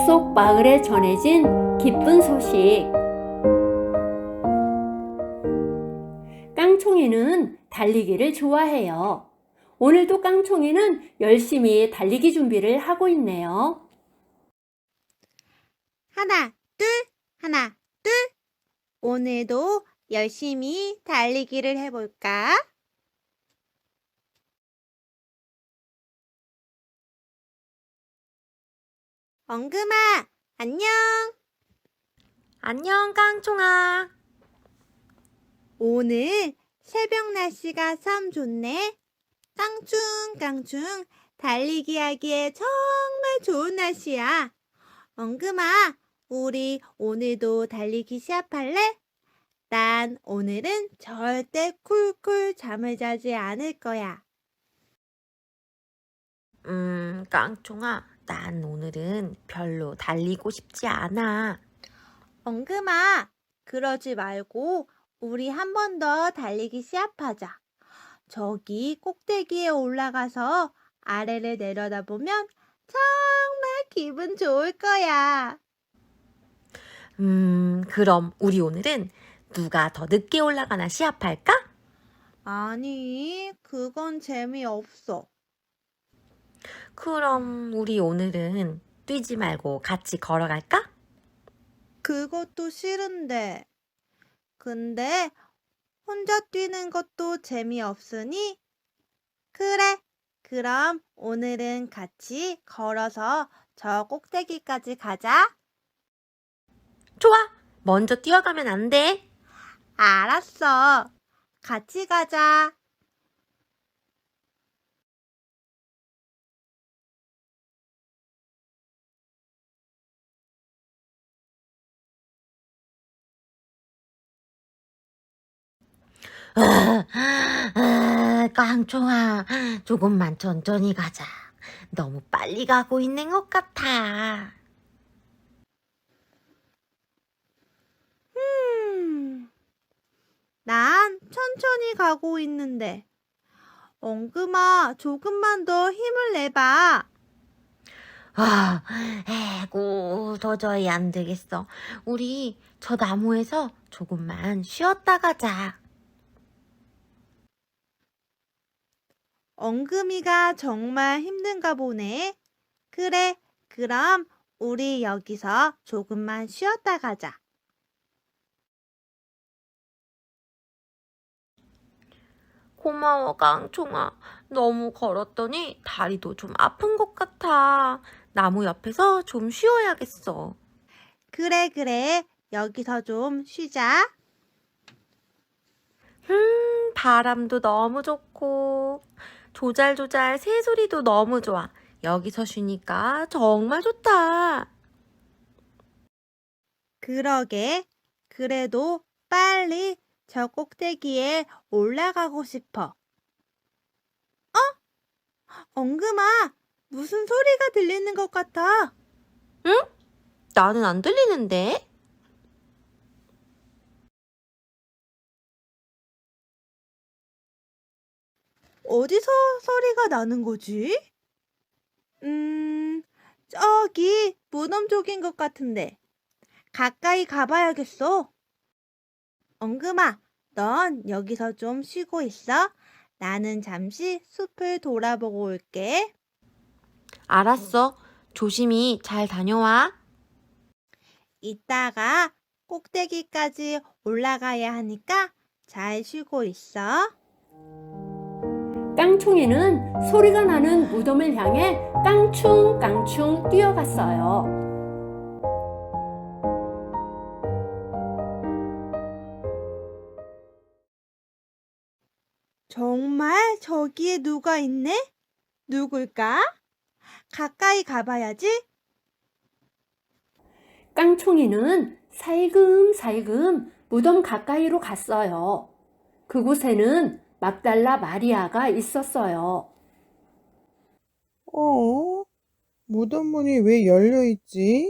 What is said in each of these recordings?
숲속 마을에 전해진 기쁜 소식. 깡총이는 달리기를 좋아해요. 오늘도 깡총이는 열심히 달리기 준비를 하고 있네요. 하나, 둘, 하나, 둘. 오늘도 열심히 달리기를 해볼까? 엉금아, 안녕. 안녕, 깡총아. 오늘 새벽 날씨가 참 좋네. 깡충깡충 달리기 하기에 정말 좋은 날씨야. 엉금아, 우리 오늘도 달리기 시합할래? 난 오늘은 절대 쿨쿨 잠을 자지 않을 거야. 깡총아, 난 오늘은 별로 달리고 싶지 않아. 엉금아, 그러지 말고 우리 한 번 더 달리기 시합하자. 저기 꼭대기에 올라가서 아래를 내려다보면 정말 기분 좋을 거야. 그럼 우리 오늘은 누가 더 늦게 올라가나 시합할까? 아니, 그건 재미없어. 그럼 우리 오늘은 뛰지 말고 같이 걸어갈까? 그것도 싫은데. 근데 혼자 뛰는 것도 재미없으니? 그래, 그럼 오늘은 같이 걸어서 저 꼭대기까지 가자. 좋아, 먼저 뛰어가면 안 돼. 알았어. 같이 가자. 깡총아, 조금만 천천히 가자. 너무 빨리 가고 있는 것 같아. 난 천천히 가고 있는데. 엉금아, 조금만 더 힘을 내봐. 에고, 도저히 안 되겠어. 우리 저 나무에서 조금만 쉬었다 가자. 엉금이가 정말 힘든가 보네. 그래, 그럼 우리 여기서 조금만 쉬었다 가자. 고마워, 깡총아. 너무 걸었더니 다리도 좀 아픈 것 같아. 나무 옆에서 좀 쉬어야겠어. 그래. 여기서 좀 쉬자. 바람도 너무 좋고, 조잘조잘 새소리도 너무 좋아. 여기서 쉬니까 정말 좋다. 그러게. 그래도 빨리 저 꼭대기에 올라가고 싶어. 엉금아, 무슨 소리가 들리는 것 같아. 응? 나는 안 들리는데? 어디서 소리가 나는 거지? 저기 무덤 쪽인 것 같은데. 가까이 가봐야겠어. 엉금아, 넌 여기서 좀 쉬고 있어. 나는 잠시 숲을 돌아보고 올게. 알았어. 조심히 잘 다녀와. 이따가 꼭대기까지 올라가야 하니까 잘 쉬고 있어. 깡총이는 소리가 나는 무덤을 향해 깡충깡충 뛰어갔어요. 정말 저기에 누가 있네? 누굴까? 가까이 가봐야지. 깡총이는 살금살금 무덤 가까이로 갔어요. 그곳에는 막달라 마리아가 있었어요. 무덤 문이 왜 열려 있지?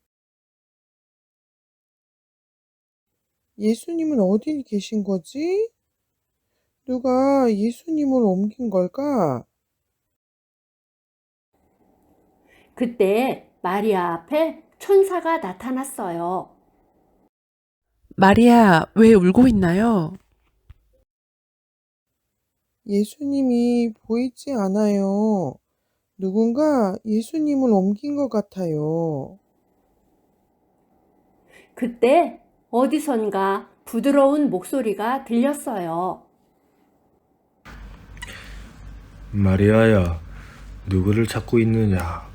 예수님은 어디 계신 거지? 누가 예수님을 옮긴 걸까? 그때 마리아 앞에 천사가 나타났어요. 마리아, 왜 울고 있나요? 예수님이 보이지 않아요. 누군가 예수님을 옮긴 것 같아요. 그때 어디선가 부드러운 목소리가 들렸어요. 마리아야, 누구를 찾고 있느냐?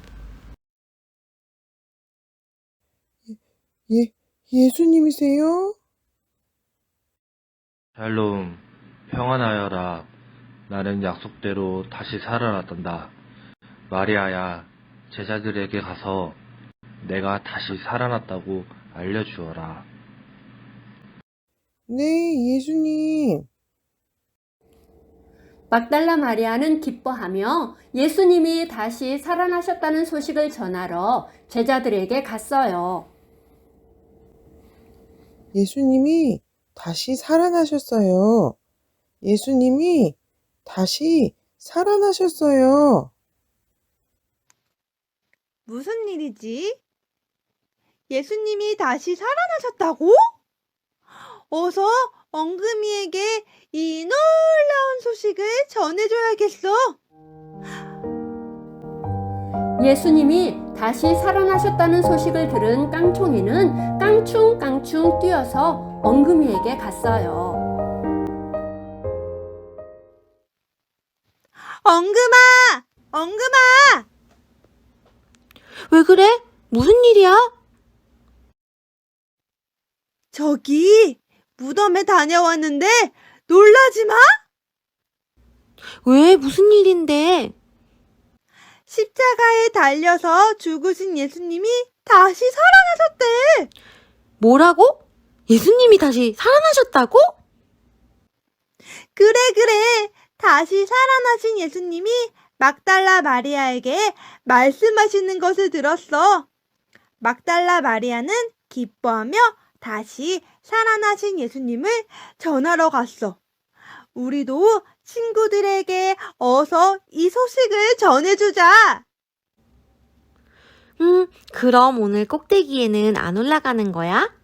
예수님이세요? 샬롬, 평안하여라. 나는 약속대로 다시 살아났단다. 마리아야, 제자들에게 가서 내가 다시 살아났다고 알려주어라. 네, 예수님. 막달라 마리아는 기뻐하며 예수님이 다시 살아나셨다는 소식을 전하러 제자들에게 갔어요. 예수님이 다시 살아나셨어요. 예수님이 다시 살아나셨어요. 무슨 일이지? 예수님이 다시 살아나셨다고? 어서 엉금이에게 이 놀라운 소식을 전해줘야겠어. 예수님이 다시 살아나셨다는 소식을 들은 깡총이는 깡충깡충 뛰어서 엉금이에게 갔어요. 엉금아! 엉금아! 왜 그래? 무슨 일이야? 저기 무덤에 다녀왔는데 놀라지 마! 왜? 무슨 일인데? 십자가에 달려서 죽으신 예수님이 다시 살아나셨대. 뭐라고? 예수님이 다시 살아나셨다고? 그래. 다시 살아나신 예수님이 막달라 마리아에게 말씀하시는 것을 들었어. 막달라 마리아는 기뻐하며 다시 살아나신 예수님을 전하러 갔어. 우리도 친구들에게 어서 이 소식을 전해주자. 그럼 오늘 꼭대기에는 안 올라가는 거야?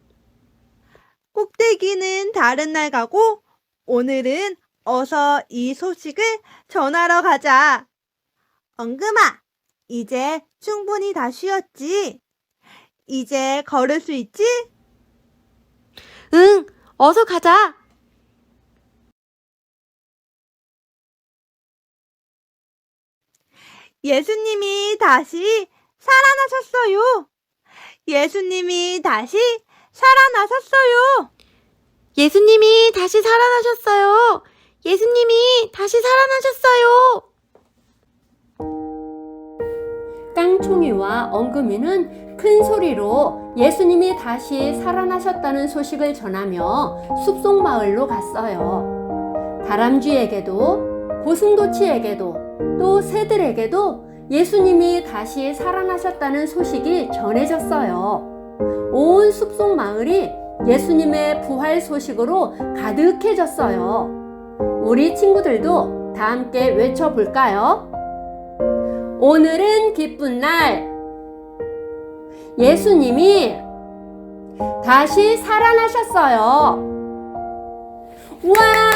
꼭대기는 다른 날 가고 오늘은 어서 이 소식을 전하러 가자. 엉금아, 이제 충분히 다 쉬었지? 이제 걸을 수 있지? 응, 어서 가자. 예수님이 다시 살아나셨어요. 예수님이 다시 살아나셨어요. 예수님이 다시 살아나셨어요. 예수님이 다시 살아나셨어요. 깡총이와 엉금이는 큰 소리로 예수님이 다시 살아나셨다는 소식을 전하며 숲속 마을로 갔어요. 다람쥐에게도 고슴도치에게도 또 새들에게도 예수님이 다시 살아나셨다는 소식이 전해졌어요. 온 숲속 마을이 예수님의 부활 소식으로 가득해졌어요. 우리 친구들도 다 함께 외쳐볼까요? 오늘은 기쁜 날, 예수님이 다시 살아나셨어요. 와!